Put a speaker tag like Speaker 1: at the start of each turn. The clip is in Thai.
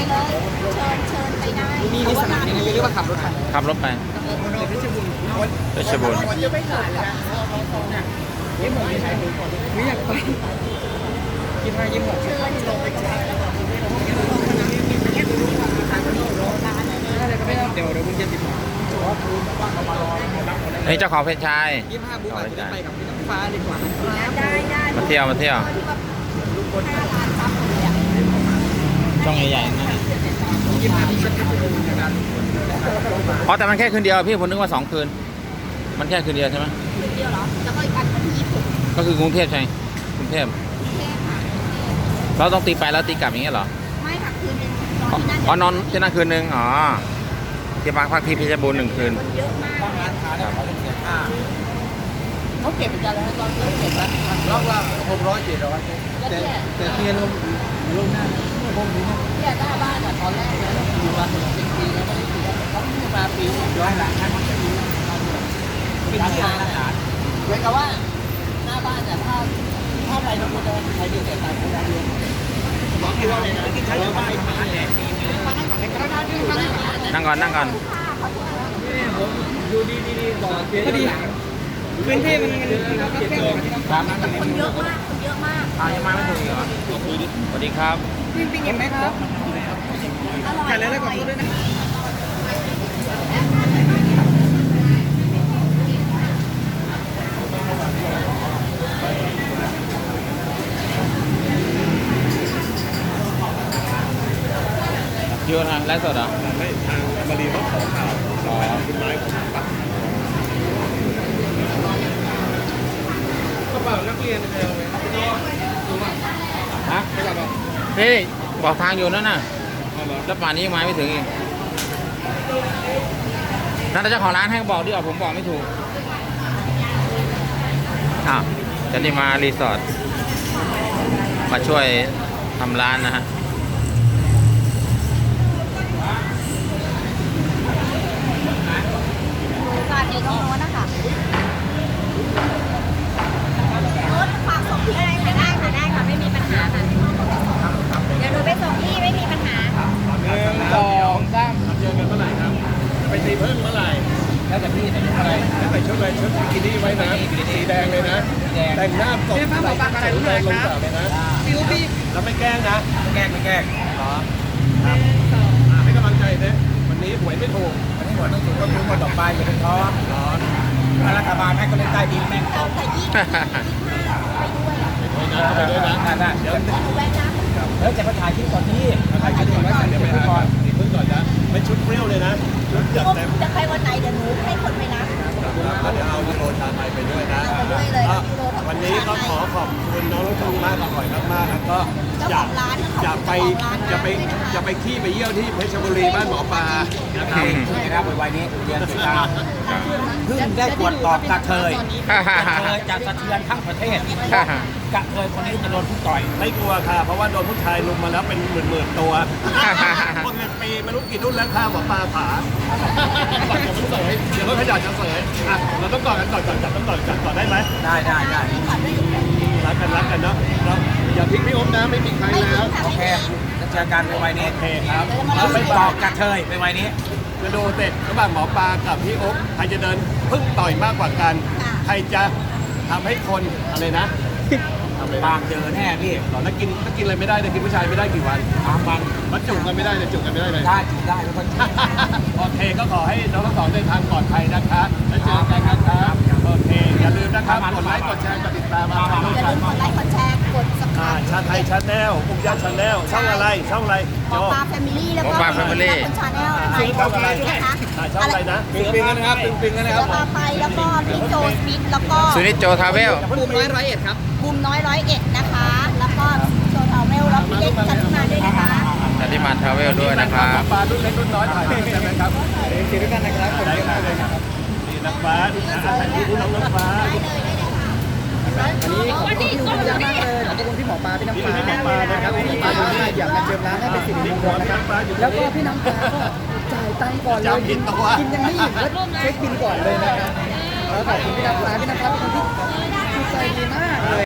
Speaker 1: เลยเชิญไปได้
Speaker 2: มีสนามยังไงเรียกว่าขับรถไป
Speaker 3: ขับรถไปเพชรบูรณ์
Speaker 2: ไม่ขายเลยนะยิ้มหมดไม่ใช่ไม่อยากไปยิ้มหมด
Speaker 1: เชิญ
Speaker 2: เดี๋ยวมึงจะติด
Speaker 3: นี่เจ้าของเพชรชาย
Speaker 2: 25 บุ๊กอาจจะไปกับพี่น้ำฟ้าดีกว่า
Speaker 1: ได้
Speaker 3: มาเที่ยว
Speaker 1: 5 ล้านซับเลยอ่ะ
Speaker 3: ช่องใหญ่ๆนั่นนะ
Speaker 2: 25ที่ฉันไปดูนะครับ
Speaker 3: อ๋อแต่มันแค่คืนเดียวพี่ผมนึกว่า2 คืนมันแค่คืนเดียวใช่ไหม
Speaker 1: คืนเดียวเหรอแล้วก็อีกอันวันที่20
Speaker 3: ก็คือกรุงเทพใช่กรุงเทพเราต้องตีไปแล้วตีกลับอย่างเงี้ยเหรอ
Speaker 1: ไม่ค่ะคืนนึงนอนที่นั่น
Speaker 3: อ๋อนอนที่นั่นคืนนึงอ๋อที่พักที่เพชรบูรณ์1 คืน
Speaker 1: คนเยอะมาก
Speaker 2: ร้านค้าเนี่ยเขาต้องเสียค่าเขาเก็บเป็นการแล้วตอนเขาเก็บรอบละ600 700แต่เทียนลงหน้าพวกนี้เนี่ยหน้าบ้านอ่ะตอนแรกเนี่ยอยู่มาถึงปีแล้วก็ได้เสียเขาเพิ่งมาปีย้อนหลังมันจะมีเป็นร้านอาหารเหมือนกับว่าหน้าบ้านเนี่ยถ้าไปลงมาใครอยู่แต่ต่างคนต่างเรียนบอกให้เราเลยนะที่ใช้อยู่บ้าน
Speaker 3: นั่งก่อน
Speaker 2: อยู่ดีก่อนพอดีพื้นที่มันแค่
Speaker 1: คนเยอะมาก
Speaker 3: ยังมาไม่ถึงเหรอสวัสดีครับ
Speaker 2: ปิ้งเห็นไหมครับ
Speaker 1: อร่อย
Speaker 2: ไข่แล้วก็พูดด้วยนะ
Speaker 3: เยอะนะไลฟ์สดเหรอ
Speaker 4: ไม่ทางมารีเขาขอข่าวคุณไม้ของปั๊บกระเป๋านักเรียนเร็วไหม
Speaker 3: ฮะพี่บอกทางอยู่นั่นน่ะแล้วป่านนี้ยังมาไม่ถึงอีกนั่นเจ้าของร้านให้บอกดิผมบอกไม่ถูกจะนี่มารีสอร์ทมาช่วยทำร้านนะฮะ
Speaker 1: ฝากอยู่ตรงโน้นนะคะโน้นฝากส่งที่อะไรค่ะได้ค่ะไม่มีปัญหาค่ะเดี๋ยวหนูไปส่งที่ไม่มีปัญหา
Speaker 2: 1 2 3
Speaker 4: เจอกันเมื่อไหร่ครับไปตีเพิ่มเมื่อไหร่
Speaker 2: แล้วแต่พี่แต่ชุดอะไร
Speaker 4: แล้วใส่ชุดอะไรชุดบิกินี่ไว้นะสีแดงเลยนะแต่งหน้าตกใส่แดงลงสาวเลยนะ
Speaker 2: พี่
Speaker 4: แล้วไม่แกล้งนะ
Speaker 2: ไม่แกล้ง
Speaker 4: อ๋อครับให้กำลังใจนะวันนี้หวยไม่ถูก
Speaker 2: วันนี้หมดต้องถูกก็คือหมดดอกไม้อย่าเป็นท้อรัฐบาลให้ก็เล่นใต้ดินแม่ง
Speaker 1: เอาแต่
Speaker 4: ไปด้วยนะ
Speaker 2: เดี๋ยว
Speaker 1: แวะนะ
Speaker 2: จะมาถ่ายคลิปก่อนที่
Speaker 4: ถ่ายคลิปก่อนเดี๋ยวไปก่อนอีกพึ่งก่อนนะไม่ชุดเปรี้ยวเลยนะชุดจัดเต็ม
Speaker 1: จะไปวันไหนเดี๋ยวหนูให้คนไปนะ
Speaker 4: เดี๋ยวเอายูโรชาไทยไปด้วยนะวันนี้ก็ขอขอบคุณน้องทั้งสองมากอร่อยมากๆแล้วก็อยากไปขี้ไปเยี่ยวที่เพชรบุรีบ้านหมอปลา
Speaker 2: นะครับวัยนี้เรียนติดตามเพิ่งได้ตรวจสอบกระเทยจะสะเทือนทั้งประเทศกระเทยคนนี้จะโดนผู้ต่อย
Speaker 4: ไม่กลัวค่ะเพราะว่าโดนผู้ชายลุมมาแล้วเป็นหมื่นตัวพวกเงินปีไม่รู้กี่รุ่นแล้วข้าวหมอปลาผาเดี๋ยวก็ขยันจะเสยเราต้องกอดกันก่อนต้องกอดกันก่อนได้ไหม
Speaker 2: ได้
Speaker 4: รักกันเนาะอย่าทิ้งพี่อ๊บนะไม่มีใครแล้ว
Speaker 2: โอเคจะเจอกันในวัยนี้
Speaker 4: โอเคครับ
Speaker 2: ไปต่อกระเทยในวัยนี้
Speaker 4: จะดูเสร็จระหว่างหมอปลากับพี่อ๊บใครจะเดินพึ่งต่อยมากกว่ากันใครจะทำให้คนอะไรนะ
Speaker 2: บางเจอแน่พี่
Speaker 4: หรอถ้ากินอะไรไม่ได้กินผู้ชายไม่ได้กี่วัน
Speaker 2: 3 วัน
Speaker 4: มันจุกกันไม่ได้เลยจุกกันไม่ได้เลย
Speaker 2: ได้ทุกคน
Speaker 4: โอเคก็ขอให้น้องทั้งสองเดินทางปลอดภัยนะคะแล้วเจอกันนะครับโอเคอย่าลืมนะครับกดไลค์กดแชร์กดติดตามมา
Speaker 1: อย่าลืมกดไลค์กดแชร์กดซับสไครบ์
Speaker 4: ชาไทยชาแนลปุกยาชาแนลช่องอะไร
Speaker 1: หมอปลาแฟมิลี่แล้วก็
Speaker 3: หมอปลาแฟมิลี่
Speaker 1: ชาแนลนะคะ
Speaker 4: ช่องอะไรนะ
Speaker 2: ปิงกันนะครับปิงกันนะครับ
Speaker 1: แล้วก็ไปแล้วก็พี่โจสมิธแล้วก็
Speaker 3: สุนิจโจทาเวล
Speaker 2: บูมน้อย101ครับ
Speaker 1: บูมน้อย101นะคะแล้วก็โจทาเวลแล้วพี่เล็กจันทิมาด้วยนะคะ
Speaker 3: จันทิมาทาเวลด้วยนะครับ
Speaker 4: ปลารุ่นเล็กรุ่นน้อยถ่ายใช่ไหมครับ
Speaker 2: เขียนด้วยกันนะครับคนเยอะมากเลยครับ
Speaker 4: นี่นักฟ้าถ่ายรูปน้องฟ้า
Speaker 2: อันนี้ขอบคุณพี่มากเลยขอบคุณพี่หมอปลาพี่น้ำฟ้านะครับพี่ปลาดูน่าอยากมาเจิมร้านให้เป็นสิริมงคลนะครับแล้วก็พี่น้ำฟ้าก็จ่ายตังค์ก่อนเลยกินยังไม่อิ่มก็เช็คบินก่อนเลยนะครับแล้วขอบคุณพี่น้ำฟ้าเป็นคนที่ใจดีมากเลย